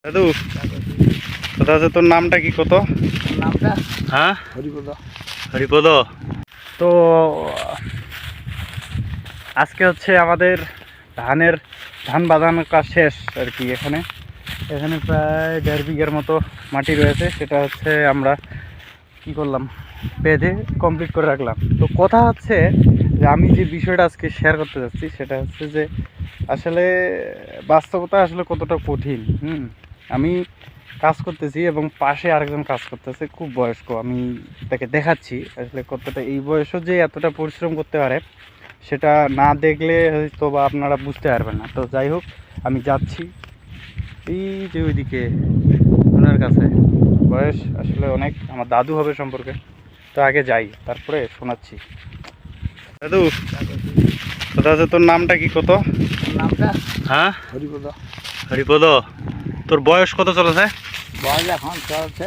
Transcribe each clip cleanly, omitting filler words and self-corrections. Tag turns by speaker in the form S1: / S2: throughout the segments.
S1: দাদু কোথা আছে তোর নামটা কি কত
S2: নামটা
S1: হ্যাঁ
S2: হরিপদ।
S1: হরিপদ। তো আজকে হচ্ছে আমাদের ধান বাঁধানোর কাজ শেষ আর কি। এখানে প্রায় 1.5 বিঘার মতো মাটি রয়েছে, সেটা হচ্ছে আমরা কি করলাম, বেঁধে কমপ্লিট করে রাখলাম। তো কথা হচ্ছে যে আমি যে বিষয়টা আজকে শেয়ার করতে যাচ্ছি সেটা হচ্ছে যে আসলে বাস্তবতা আসলে কতটা কঠিন। আমি কাজ করতেছি এবং পাশে আরেকজন কাজ করতেছে, খুব বয়স্ক। আমি তাকে দেখাচ্ছি আসলে কতটা এই বয়সও যে এতটা পরিশ্রম করতে পারে সেটা না দেখলে হয়তো বা আপনারা বুঝতে পারবেন না। তো যাই হোক, আমি যাচ্ছি এই যে ওইদিকে ওনার কাছে। বয়স আসলে অনেক, আমার দাদু হবে সম্পর্কে। তো আগে যাই, তারপরে শোনাচ্ছি। দাদু কোথা আছে তোর নামটা কি কত
S2: নামটা
S1: হ্যাঁ
S2: হরিপদ।
S1: হরিপদ। তোর বয়স কত চলেছে?
S2: বয়স এখন চলছে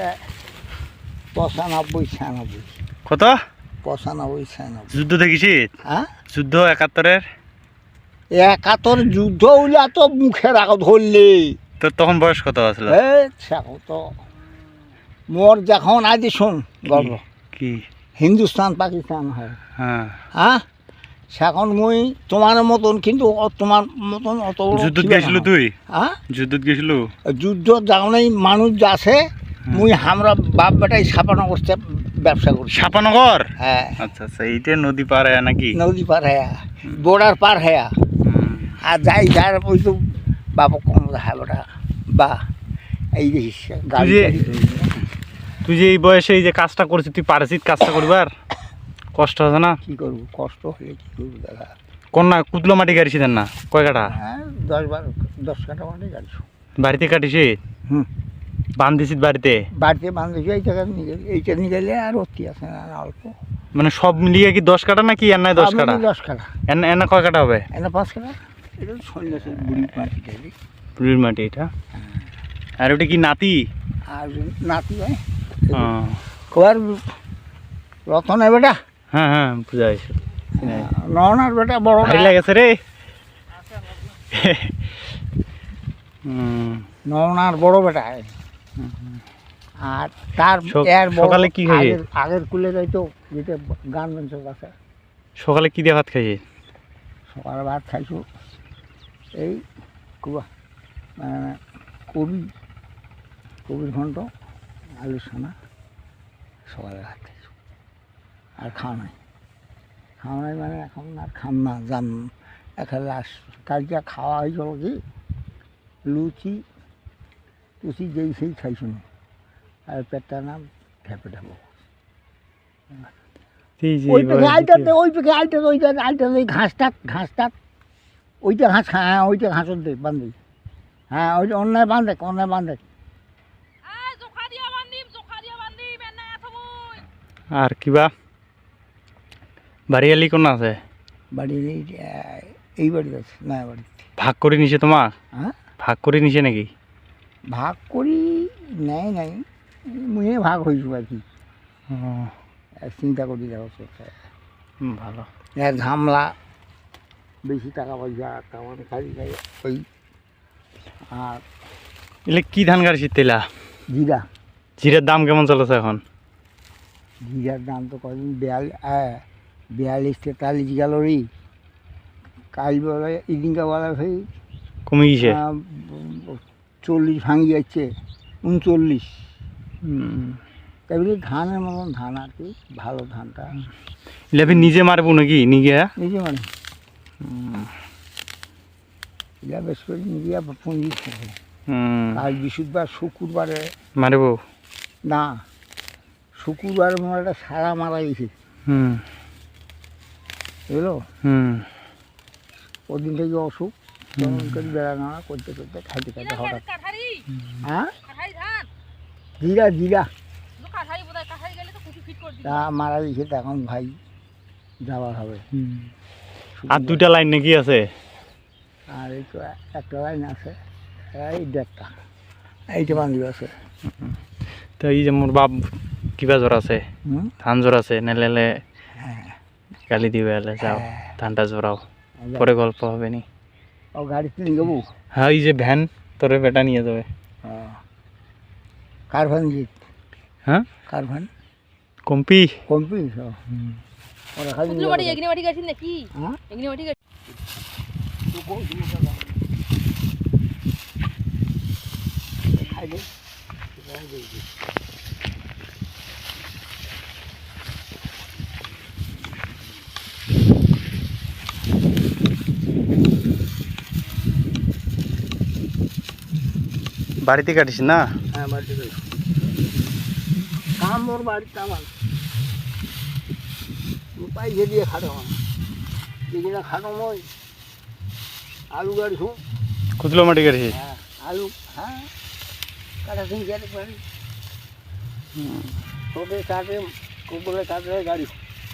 S2: 95-96।
S1: কত?
S2: 95-96।
S1: যুদ্ধ দেখিছিস?
S2: হ্যাঁ,
S1: যুদ্ধ 71-এর?
S2: 71 যুদ্ধ হইলে তো মুখের আগত ধরলে
S1: তোর তখন বয়স কত আসলে?
S2: সেখন তো মোর যখন আজ শোন গল্প
S1: কি
S2: হিন্দুস্তান পাকিস্তান হয়,
S1: হ্যাঁ
S2: হ্যাঁ, সেখন মুই তোমার মতন, কিন্তু তোমার মতন অত বড়
S1: যুদ্ধ
S2: ছিলাম
S1: গেছিল
S2: না।
S1: তুই?
S2: হ্যাঁ,
S1: যুদ্ধ গেছিল?
S2: যুদ্ধ যখনই মানুষ যাচ্ছে মুই আমরা বাপ বেটাই ছাপানো করতে ব্যবসা করছি।
S1: সাপানগর?
S2: হ্যাঁ,
S1: আচ্ছা আচ্ছা, এইটা নদী পার হয় নাকি?
S2: নদী পার হ্যাঁ, বর্ডার পার হ্যাঁ। আর যাই যার ওই তো বাবা কম হ্যাঁ বেটা বা এই যে গাড়ি
S1: তুই যে এই বয়সে এই যে কাজটা করছিস, তুই পারছিস কাজটা করবার? কষ্ট আছে না?
S2: কী করবো, কষ্ট হলে কী করবো দাদা।
S1: কন্যা কুতলো মাটি কাটিছিলেন না? কয় কাটা?
S2: হ্যাঁ, 10 কাটা মানে গাড়ি।
S1: বাড়িতে কাটিছি?
S2: হুম,
S1: বান্ধিছিস বাড়িতে?
S2: বাড়িতে বান্ধবী এইটা নিয়ে গেলে আর অতি আছে না, অল্প।
S1: মানে সব মিলিয়ে কি 10 কাটা নাকি এর নাই 10 কাটা?
S2: 10 কাটা।
S1: এনে কয় কাটা হবে?
S2: এনে 5 কাটা। এটা সন্ন্যাসের বুড়ি মাটি গেলি।
S1: পুরীর মাটি এটা। আর ওটা কি নাতি?
S2: আর নাতি হয়
S1: হ্যাঁ
S2: কবার রতনের বেটা,
S1: হ্যাঁ হ্যাঁ, বুঝা গেছে।
S2: ননার বেটা বড়
S1: ভারী লাগেছে রে।
S2: ননার বড় বেটা। আর তার এর বড়
S1: সকালে কি খাইয়ে?
S2: আগের কুলে যাইতো যেটা গার্মেন্টসের কাছে।
S1: সকালে কি দিয়ে ভাত খাইয়ে?
S2: সকালে ভাত খাইছো এই কবির ঘন্ট আলু সোনা। সকালে ভাত খাইছো আর খাওয়া নাই মানে এখন আর খাম না, জান এখন লাস্ট কালকে খাওয়া হয়েছিল কি লুচি টুচি যেই সেই খাইছো না, আর পেটটা নাম ঠেপে ঠেপো। ওই পেকে আইটাতে ওই ঘাসটা ওইটা ঘাস খা, হ্যাঁ ওইটা ঘাসত দে বান্ধি, হ্যাঁ ওইটা অন্যায় বান্ধে।
S1: আর কিবা বাড়ি আলি কোন আছে?
S2: বাড়ি এই বাড়িতে আছে না, বাড়িতে
S1: ভাগ করে নিছে তোমার?
S2: হ্যাঁ,
S1: ভাগ করে নিছে নাকি?
S2: ভাগ করি নাই মুয়ে ভাগ হয়েছো আর কি। চিন্তা করি দেখো
S1: ভালো।
S2: এর ঝামলা বেশি টাকা পয়সা কামান খাই ওই। আর
S1: এলে কি ধান গাড়ছি তেলা? জিরার দাম কেমন চলেছে এখন?
S2: জিরার দাম তো কদিন 42-43 গেল রে। কাল বলে ইদিনকা বলা ভাই
S1: কমে গেছে?
S2: 40 ভাঙি যাচ্ছে, 39। তাই ধানের মতন ধান আর কি, ভালো ধানটা।
S1: এলে নিজে মারবো নাকি?
S2: নিজে মানে এটা বেশ করে নিজে পুঁজি থাকে। কাল বৃহস্পতিবার শুক্রবারে
S1: মারবো
S2: না, শুক্রবারে মনে একটা সারা মারা গেছে বুঝলো। ওদিন থেকে অসুখ বেড়ানো করতে খাইতে হঠাৎ। হ্যাঁ, জিরা তা মারা গেছে, তো এখন ভাই যাওয়ার হবে।
S1: আর 2টা লাইন নাকি আছে?
S2: আর এই তো একটা লাইন আছে, এই 1.5টা এইটা বান্ধব আছে।
S1: তো এই যে মোর বাপ কিবা জ্বর আছে, ধান জ্বর আছে, নেলে গালি দিবে, এলে যাও ধানটা জোরাও, পরে গল্প হবে নি।
S2: ও গাড়িতে নিয়ে যাবো?
S1: হ্যাঁ, এই যে ভ্যান তোরে বেটা নিয়ে যাবে।
S2: কারভান জিত
S1: হ্যাঁ
S2: কারভান
S1: কম্পি
S2: কমপি সব ওরা খালি
S3: পুতুল বাড়ি এগনি বাড়ি গেছেন নাকি
S2: হ্যাঁ
S3: এগনি বাড়ি গেছেন
S2: খাই দে
S1: বাড়িতে কাটিস না?
S2: হ্যাঁ বাড়িতে যাই কাম ওর বাড়িতে আমার পাইছে দিয়ে খাটো আমার যেদিনা খাটো মই আলু গাড়ি শুন
S1: কুতলো মাটি কাটিস?
S2: হ্যাঁ আলু হ্যাঁ কাটা দিন গেলে বাড়ি ছোটে কাটে কুকুরে কাটে গাড়ি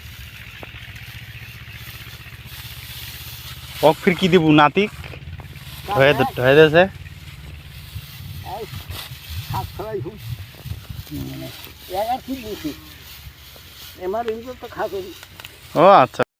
S1: ওক ফির কি দিব নাতিক হয়ে দিয়েছে
S2: হাত ফেলাই শুন এগার ঠিক দিয়েছি এমার এই তো খাতো
S1: ও আচ্ছা